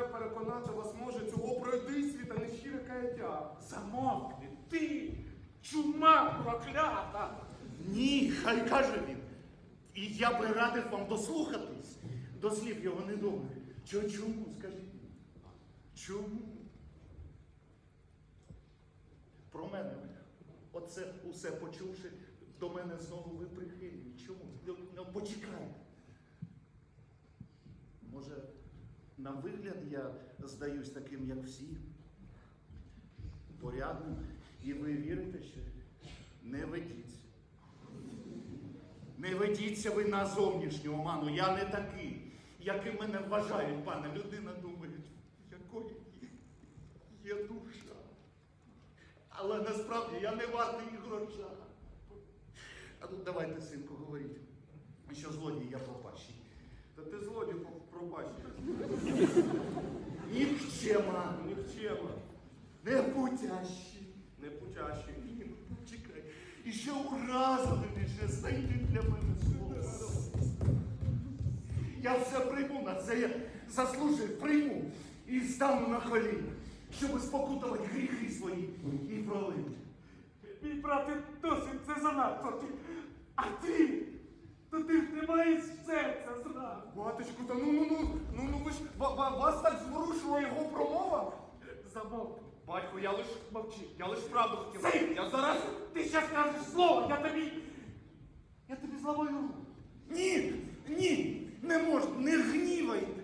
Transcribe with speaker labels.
Speaker 1: переконати вас може цього пройдисві та нещире каяття.
Speaker 2: Замовкни, ти, чума проклята!
Speaker 3: Ні, хай каже він. І я би радив вам дослухатись до слів його недобрих. Чому, скажіть? Чому? Про мене, оце усе почувши, до мене знову ви прихильні. Чому? Ну, почекайте. Може, на вигляд я здаюсь таким, як всі? Порядним. І ви вірите, що не ведіться. Не ведіться ви на зовнішню оману. Я не такий, яким мене вважають, пане. Людина думає, якою є душа. Але насправді я не вартий і гроша. А ну давайте, синку, говоріть, що злодій я пропащий.
Speaker 1: Та ти злодій пробачиш.
Speaker 3: Нікчема,
Speaker 1: Нікчема,
Speaker 3: непутящий.
Speaker 1: непутящий.
Speaker 3: Чекай, і ще уразливий, ще знайти для мене слово. Я все прийму на це, я заслужив, прийму і стану на коліна, щоб спокутувати гріхи свої і пролити.
Speaker 2: Мій брате, досить це занадто. А ти? То ти ж не маєш серця зраду.
Speaker 1: Батечку, та ну ви ж, вас так зворушила його промова?
Speaker 2: Замовкни.
Speaker 1: Батько, я лиш мовчи, я лиш правду хотів.
Speaker 2: Цей!
Speaker 1: Я зараз...
Speaker 2: Ти ще скажеш слово, я тобі зламаю руку.
Speaker 3: Ні, ні, не можна, не гнівайтесь.